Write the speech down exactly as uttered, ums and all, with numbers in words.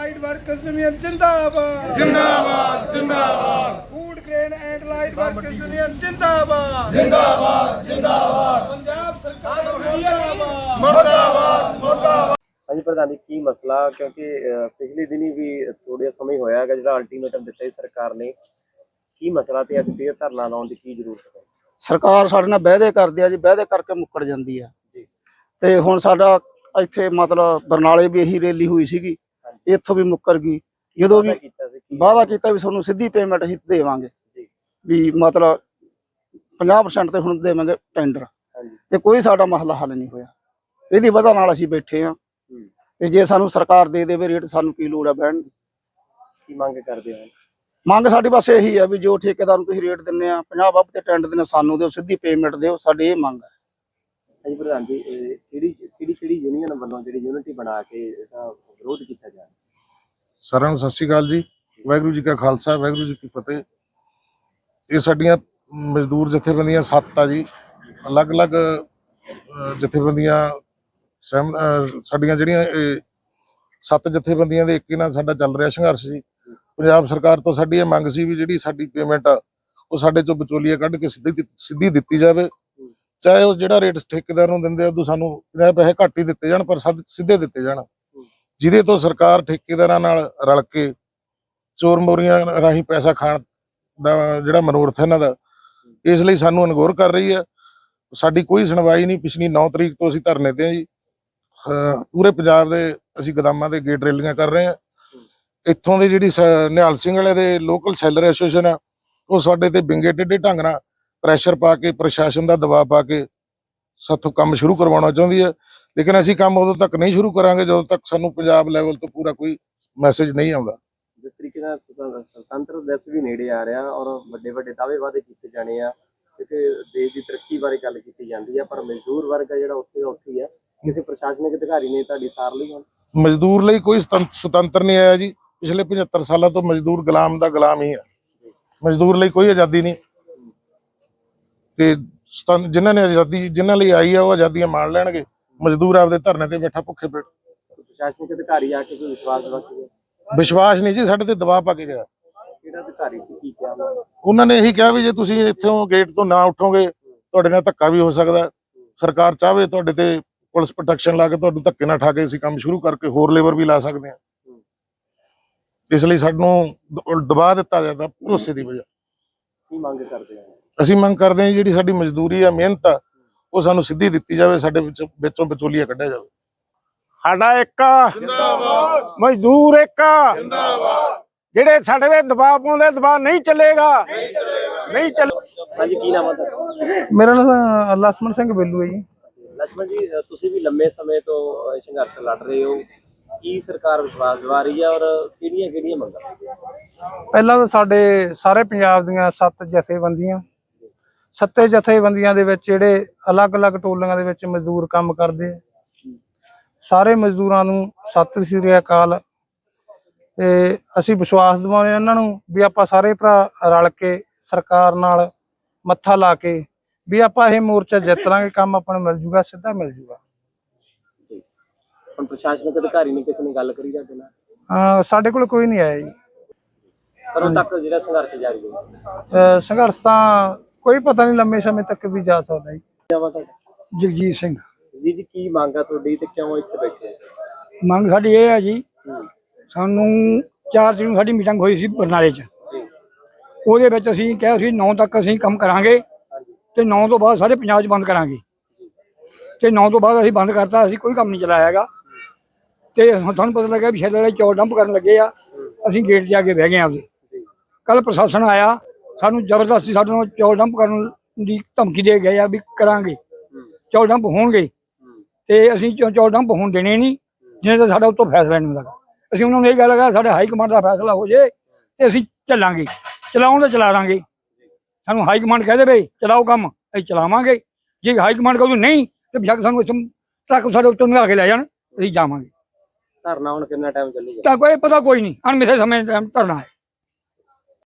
Light workers union जिंदाबाद जिंदाबाद जिंदाबाद food grain and light workers union जिंदाबाद जिंदाबाद जिंदाबाद पंजाब सरकार मुर्दाबाद मुर्दाबाद मुर्दाबाद। हाँ जी प्रधान जी की मसला क्योंकि पिछले दिन ही भी थोड़े समय होया है जो अल्टीमेटम दिता है सरकार ने की मसला ते अज फिर धरना लाने की की जरूरत है। सरकार साडे नाल वायदे करदी है जी, वायदे करके मुक्कड़ जांदी है जी। ते हुण साडा ਇੱਥੇ मतलब बरनाले भी यही रैली हुई ਸੀਗੀ, ਇੱਥੋਂ भी मुक्कर गई। ਜਦੋਂ भी वादा ਕੀਤਾ ਵੀ ਤੁਹਾਨੂੰ ਸਿੱਧੀ ਪੇਮੈਂਟ ਅਸੀਂ ਦੇਵਾਂਗੇ ਵੀ मतलब पचास परसेंट ਤੇ ਹੁਣ ਦੇਵਾਂਗੇ ਟੈਂਡਰ, ਤੇ ਕੋਈ ਸਾਡਾ ਮਸਲਾ ਹੱਲ ਨਹੀਂ ਹੋਇਆ। ਇਹਦੀ ਵਜ੍ਹਾ ਨਾਲ ਅਸੀਂ ਬੈਠੇ ਆ ਤੇ ਜੇ ਸਾਨੂੰ ਸਰਕਾਰ ਦੇ ਦੇਵੇ ਰੇਟ ਸਾਨੂੰ ਕੀ ਲੋੜ ਹੈ ਬਹਿਣ ਦੀ। ਕੀ ਮੰਗ ਕਰਦੇ ਹੋ? ਮੰਗ ਸਾਡੀ ਬਸ ਇਹੀ ਹੈ ਵੀ ਜੋ ਠੇਕੇਦਾਰ ਨੂੰ ਤੁਸੀਂ ਰੇਟ ਦਿੰਦੇ ਆ ਪੰਜਾਹ ਬੱਬ ਤੇ ਟੈਂਡਰ ਦਿੰਦੇ ਸਾਨੂੰ ਦਿਓ, ਸਿੱਧੀ ਪੇਮੈਂਟ ਦਿਓ, ਸਾਡੀ ਇਹ ਮੰਗ ਹੈ। ਹਾਂਜੀ ਪ੍ਰਧਾਨ ਜੀ ਕਿਹੜੀ ਕਿਹੜੀ ਕਿਹੜੀ ਯੂਨੀਅਨ ਵੱਲੋਂ ਜਿਹੜੀ ਯੂਨਿਟੀ ਬਣਾ ਕੇ ਇਹਦਾ ਵਿਰੋਧ ਕੀਤਾ ਜਾ ਰਿਹਾ? ਸਾਰਿਆਂ ਨੂੰ ਸਤਿ ਸ਼੍ਰੀ ਅਕਾਲ ਜੀ। ਵਾਹਿਗੁਰੂ ਜੀ ਕਾ ਖਾਲਸਾ ਵਾਹਿਗੁਰੂ ਜੀ ਕੀ ਫਤਿਹ। ਇਹ ਸਾਡੀਆਂ ਮਜ਼ਦੂਰ ਜਥੇਬੰਦੀਆਂ ਸੱਤ ਆ ਜੀ, ਅਲੱਗ-ਅਲੱਗ ਜਥੇਬੰਦੀਆਂ ਸਹਿਮ ਸਾਡੀਆਂ ਜਿਹੜੀਆਂ ਸੱਤ ਜਥੇਬੰਦੀਆਂ ਦੇ ਇੱਕ ਨਾਲ ਸਾਡਾ ਚੱਲ ਰਿਹਾ ਸੰਘਰਸ਼ ਜੀ। ਪੰਜਾਬ ਸਰਕਾਰ ਤੋਂ ਸਾਡੀ ਇਹ ਮੰਗ ਸੀ ਵੀ ਜਿਹੜੀ ਸਾਡੀ ਪੇਮੈਂਟ ਆ ਉਹ ਸਾਡੇ ਚੋਂ ਵਿਚੋਲੀਆ ਕੱਢ ਕੇ ਸਿੱਧੀ ਸਿੱਧੀ ਦਿੱਤੀ ਜਾਵੇ, ਚਾਹੇ ਉਹ ਜਿਹੜਾ ਰੇਟ ਠੇਕੇਦਾਰ ਨੂੰ ਦਿੰਦੇ ਉਦੋਂ ਸਾਨੂੰ ਪੰਜਾਹ ਪੈਸੇ ਘੱਟ ਹੀ ਦਿੱਤੇ ਜਾਣ ਪਰ ਸਿੱਧੇ ਦਿੱਤੇ ਜਾਣ, ਜਿਹਦੇ ਤੋਂ ਸਰਕਾਰ ਠੇਕੇਦਾਰਾਂ ਨਾਲ ਰਲ ਕੇ ਚੋਰ ਮੋਰੀਆਂ ਰਾਹੀਂ ਪੈਸਾ ਖਾਣ ਦਾ ਜਿਹੜਾ ਮਨੋਰਥ ਹੈ ਇਹਨਾਂ ਦਾ, ਇਸ ਲਈ ਸਾਨੂੰ ਅਨਗੌਰ ਕਰ ਰਹੀ ਹੈ। ਸਾਡੀ ਕੋਈ ਸੁਣਵਾਈ ਨਹੀਂ। ਪਿਛਲੀ ਨੌ ਤਰੀਕ ਤੋਂ ਅਸੀਂ ਧਰਨੇ ਤੇ ਹਾਂ ਜੀ। ਪੂਰੇ ਪੰਜਾਬ ਦੇ ਅਸੀਂ ਗੋਦਾਮਾਂ ਦੇ ਗੇਟ ਰੈਲੀਆਂ ਕਰ ਰਹੇ ਹਾਂ। ਇੱਥੋਂ ਦੇ ਜਿਹੜੀ ਨਿਹਾਲ ਸਿੰਘ ਵਾਲੇ ਦੇ ਲੋਕਲ ਸੈਲਰ ਐਸੋਸੀਏਸ਼ਨ ਆ ਉਹ ਸਾਡੇ ਤੇ ਬਿੰਗੇ ਟੇਢੇ ਢੰਗ ਨਾਲ ਪ੍ਰੈਸ਼ਰ ਪਾ ਕੇ ਪ੍ਰਸ਼ਾਸਨ ਦਾ ਦਬਾਅ ਪਾ ਕੇ ਸਾਥੋਂ ਕੰਮ ਸ਼ੁਰੂ ਕਰਵਾਉਣਾ ਚਾਹੁੰਦੀ ਹੈ, ਲੇਕਿਨ ਅਸੀਂ ਕੰਮ ਉਦੋਂ ਤੱਕ ਨਹੀਂ ਸ਼ੁਰੂ ਕਰਾਂਗੇ ਜਦੋਂ ਤੱਕ ਸਾਨੂੰ ਪੰਜਾਬ ਲੈਵਲ ਤੋਂ ਪੂਰਾ ਕੋਈ ਮੈਸੇਜ ਨਹੀਂ ਆਉਂਦਾ। ਜਿਸ ਤਰੀਕੇ ਨਾਲ ਸੁਤੰਤਰ ਦਿਵਸ ਵੀ ਨੇੜੇ ਆ ਰਿਹਾ ਔਰ ਵੱਡੇ ਵੱਡੇ ਦਾਅਵੇ ਵਾਅਦੇ ਕੀਤੇ ਜਾਣੇ ਆ ਕਿ ਦੇਸ਼ ਦੀ ਤਰੱਕੀ ਬਾਰੇ ਗੱਲ ਕੀਤੀ ਜਾਂਦੀ ਹੈ, ਪਰ ਮਜ਼ਦੂਰ ਵਰਗ ਜਿਹੜਾ ਉੱਥੇ ਦਾ ਉੱਥੇ ਹੀ ਹੈ। ਕਿਸੇ ਪ੍ਰਸ਼ਾਸਨਿਕ ਅਧਿਕਾਰੀ ਨੇ ਤੁਹਾਡੀ ਸਾਰ ਲਈ ਹੁਣ ਮਜ਼ਦੂਰ ਲਈ ਕੋਈ ਸੁਤੰਤਰ ਨਹੀਂ ਆਇਆ ਜੀ। ਪਿਛਲੇ ਪਝੱਤਰ ਸਾਲਾਂ ਤੋਂ ਮਜ਼ਦੂਰ ਗੁਲਾਮ ਦਾ ਗੁਲਾਮ ਹੀ ਹੈ। ਮਜ਼ਦੂਰ ਲਈ ਕੋਈ ਆਜ਼ਾਦੀ ਨਹੀਂ, ਤੇ ਜਿਨ੍ਹਾਂ ਨੇ ਆਜ਼ਾਦੀ ਜਿਨ੍ਹਾਂ ਲਈ ਆਈ ਆ ਉਹ ਆਜ਼ਾਦੀਆਂ ਮਾਣ ਲੈਣਗੇ। ਮਜ਼ਦੂਰ ਆਪਦੇ ਧਰਨੇ ਤੇ ਬੈਠਾ ਭੁੱਖੇ ਪੇਟ। ਪ੍ਰਸ਼ਾਸਨਿਕ ਅਧਿਕਾਰੀ ਆ ਕੇ ਕੋਈ ਵਿਸ਼ਵਾਸ ਦਿਵਾ ਕੇ? ਵਿਸ਼ਵਾਸ ਨਹੀਂ ਜੀ, ਸਾਡੇ ਤੇ ਦਬਾਅ ਪਾ ਕੇ ਗਿਆ। ਕਿਹੜਾ ਅਧਿਕਾਰੀ ਸੀ, ਕੀ ਕਿਹਾ ਉਹਨਾਂ ਨੇ? ਇਹੀ ਕਿਹਾ ਵੀ ਜੇ ਤੁਸੀਂ ਇੱਥੋਂ ਗੇਟ ਤੋਂ ਨਾ ਉੱਠੋਗੇ ਤੁਹਾਡੇ ਨਾਲ ਧੱਕਾ ਵੀ ਹੋ ਸਕਦਾ। ਸਰਕਾਰ ਚਾਹਵੇ ਤੁਹਾਡੇ ਤੇ ਪੁਲਿਸ ਪ੍ਰੋਟੈਕਸ਼ਨ ਲਾ ਕੇ ਤੁਹਾਨੂੰ ਧੱਕੇ ਨਾਲ ਠਾ ਕੇ ਅਸੀਂ ਕੰਮ ਸ਼ੁਰੂ ਕਰਕੇ ਹੋਰ ਲੇਬਰ ਵੀ ਲਾ ਸਕਦੇ ਹਾਂ। ਇਸ ਲਈ ਸਾਨੂੰ ਦਬਾਅ ਦਿੱਤਾ ਜਾਂਦਾ ਭਰੋਸੇ ਦੀ ਵਜ੍ਹਾ। ਕੀ ਮੰਗ ਕਰਦੇ ਆ? ਅਸੀਂ ਮੰਗ ਕਰਦੇ ਹਾਂ ਜਿਹੜੀ ਸਾਡੀ ਮਜ਼ਦੂਰੀ ਆ, ਮਿਹਨਤ ਆ, ਉਹ ਸਾਨੂੰ ਸਿੱਧੀ ਦਿੱਤੀ ਜਾਵੇ, ਸਾਡੇ ਵਿੱਚ ਵਿੱਚੋਂ ਵਿਚੋਲੀਆ ਕੱਢਿਆ ਜਾਵੇ। ਸਾਡਾ ਇੱਕ ਜਿੰਦਾਬਾਦ, ਮਜ਼ਦੂਰ ਇੱਕ ਜਿੰਦਾਬਾਦ। ਜਿਹੜੇ ਸਾਡੇ ਤੇ ਦਬਾਅ ਪਾਉਂਦੇ ਦਬਾਅ ਨਹੀਂ ਚੱਲੇਗਾ, ਨਹੀਂ ਚੱਲੇ। ਹਾਂਜੀ ਕੀ ਨਾਮ ਹੈ ਤੁਹਾਡਾ? ਮੇਰਾ ਨਾਮ ਲక్ష్మణ ਸਿੰਘ ਬੇਲੂ ਹੈ ਜੀ। ਲక్ష్మణ ਜੀ ਤੁਸੀਂ ਵੀ ਲੰਮੇ ਸਮੇਂ ਤੋਂ ਸੰਘਰਸ਼ ਲੜ ਰਹੇ ਹੋ, ਕੀ ਸਰਕਾਰ ਵਿਸ਼ਵਾਸ ਦਿਵਾ ਰਹੀ ਹੈ ਔਰ ਕਿਹੜੀਆਂ ਕਿਹੜੀਆਂ ਮੰਗਾਂ? ਪਹਿਲਾਂ ਤਾਂ ਸਾਡੇ ਸਾਰੇ ਪੰਜਾਬ ਦੀਆਂ ਸੱਤ ਜਥੇਬੰਦੀਆਂ ਸੱਤੇ ਜਥੇਬੰਦੀਆਂ ਦੇ ਵਿੱਚ ਜਿਹੜੇ ਅਲੱਗ-ਅਲੱਗ ਟੋਲੀਆਂ ਦੇ ਵਿੱਚ ਮਜ਼ਦੂਰ ਕੰਮ ਕਰਦੇ ਆ, ਸਾਰੇ ਮਜ਼ਦੂਰਾਂ ਨੂੰ ਸਤਿ ਸ੍ਰੀ ਅਕਾਲ। ਤੇ ਅਸੀਂ ਵਿਸ਼ਵਾਸ ਦਿਵਾਉਂਦੇ ਇਹਨਾਂ ਨੂੰ ਵੀ ਆਪਾਂ ਸਾਰੇ ਭਰਾ ਰਲ ਕੇ ਸਰਕਾਰ ਨਾਲ ਮੱਥਾ ਲਾ ਕੇ ਵੀ ਆਪਾਂ ਇਹ ਮੋਰਚਾ ਜਿੱਤ ਲਾਂਗੇ, ਕੰਮ ਆਪਾਂ ਨੂੰ ਮਿਲ ਜੂਗਾ, ਸਿੱਧਾ ਮਿਲ ਜੂਗਾ। ਹੁਣ ਪ੍ਰਸ਼ਾਸਨਿਕ ਅਧਿਕਾਰੀ ਨੇ ਕਿਸੇ ਨੇ ਗੱਲ ਕਰੀ ਜਾਂਦੇ ਨਾਲ? ਹਾਂ, ਸਾਡੇ ਕੋਲ ਕੋਈ ਨਹੀਂ ਆਇਆ ਜੀ। ਕਦੋਂ ਤੱਕ ਜਿਹੜਾ ਸੰਘਰਸ਼ ਜਾਰੀ ਹੋਊਗਾ? ਸੰਘਰਸ਼ ਤਾਂ ਕੋਈ ਪਤਾ ਨਹੀਂ, ਲੰਮੇ ਸਮੇਂ ਤੱਕ ਵੀ ਜਾ ਸਕਦਾ ਜੀ। ਜਗਜੀਤ ਸਿੰਘ ਜੀ ਜੀ ਕੀ ਮੰਗ ਆ ਤੁਹਾਡੀ ਤੇ ਕਿਉਂ ਇੱਥੇ ਬੈਠੇ? ਮੰਗ ਸਾਡੀ ਇਹ ਹੈ ਜੀ, ਸਾਨੂੰ ਚਾਰ ਦਿਨ ਸਾਡੀ ਮੀਟਿੰਗ ਹੋਈ ਸੀ ਬਰਨਾਲੇ 'ਚ। ਉਹਦੇ ਵਿੱਚ ਅਸੀਂ ਕਿਹਾ ਸੀ ਨੌ ਤੱਕ ਅਸੀਂ ਕੰਮ ਕਰਾਂਗੇ ਤੇ ਨੌ ਤੋਂ ਬਾਅਦ ਸਾਰੇ ਪੰਜਾਬ 'ਚ ਬੰਦ ਕਰਾਂਗੇ, ਤੇ ਨੌ ਤੋਂ ਬਾਅਦ ਅਸੀਂ ਬੰਦ ਕਰਤਾ। ਅਸੀਂ ਕੋਈ ਕੰਮ ਨਹੀਂ ਚਲਾਇਆ ਹੈਗਾ। ਤੇ ਹੁਣ ਸਾਨੂੰ ਪਤਾ ਲੱਗਿਆ ਵੀ ਸ਼ੈਲਰ ਵਾਲੇ ਚੌਲ ਡੰਪ ਕਰਨ ਲੱਗੇ ਆ। ਅਸੀਂ ਗੇਟ 'ਤੇ ਆ ਕੇ ਬਹਿ ਗਏ ਆਪਦੇ। ਕੱਲ ਪ੍ਰਸ਼ਾਸਨ ਆਇਆ, ਸਾਨੂੰ ਜ਼ਬਰਦਸਤੀ ਸਾਡੇ ਨਾਲ ਚੌਲ ਡੰਪ ਕਰਨ ਦੀ ਧਮਕੀ ਦੇ ਗਏ ਆ ਵੀ ਕਰਾਂਗੇ, ਚੌਲ ਡੰਪ ਹੋਣਗੇ, ਤੇ ਅਸੀਂ ਚੌਲ ਡੰਪ ਹੋਣ ਦੇਣੇ ਨਹੀਂ ਜਿਵੇਂ ਤਾਂ ਸਾਡਾ ਉੱਤੋਂ ਫੈਸਲਾ ਨਹੀਂ ਹੁੰਦਾ। ਅਸੀਂ ਉਹਨਾਂ ਨੂੰ ਇਹ ਗੱਲ ਕਹਾ ਸਾਡੇ ਹਾਈ ਕਮਾਂਡ ਦਾ ਫੈਸਲਾ ਹੋ ਜੇ ਤੇ ਅਸੀਂ ਚੱਲਾਂਗੇ, ਚਲਾਉਣ ਤਾਂ ਚਲਾ ਦਾਂਗੇ। ਸਾਨੂੰ ਹਾਈ ਕਮਾਂਡ ਕਹਿ ਦੇਵੇ ਚਲਾਓ ਕੰਮ, ਅਸੀਂ ਚਲਾਵਾਂਗੇ। ਜੇ ਹਾਈ ਕਮਾਂਡ ਕਹੂ ਨਹੀਂ ਤੇ ਬੇਸ਼ੱਕ ਸਾਨੂੰ ਇੱਥੋਂ ਟਰੱਕ ਸਾਡੇ ਉੱਤੋਂ ਨਿਕਾਲ ਕੇ ਲੈ ਜਾਣ, ਅਸੀਂ ਜਾਵਾਂਗੇ। ਧਰਨਾ ਹੁਣ ਕਿੰਨਾ ਟਾਈਮ ਚੱਲੇਗਾ? ਤਾਂ ਕੋਈ ਪਤਾ ਕੋਈ ਨਹੀਂ, ਅਣਮਿੱਥੇ ਸਮੇਂ ਟਾਈਮ ਧਰਨਾ ਹੈ।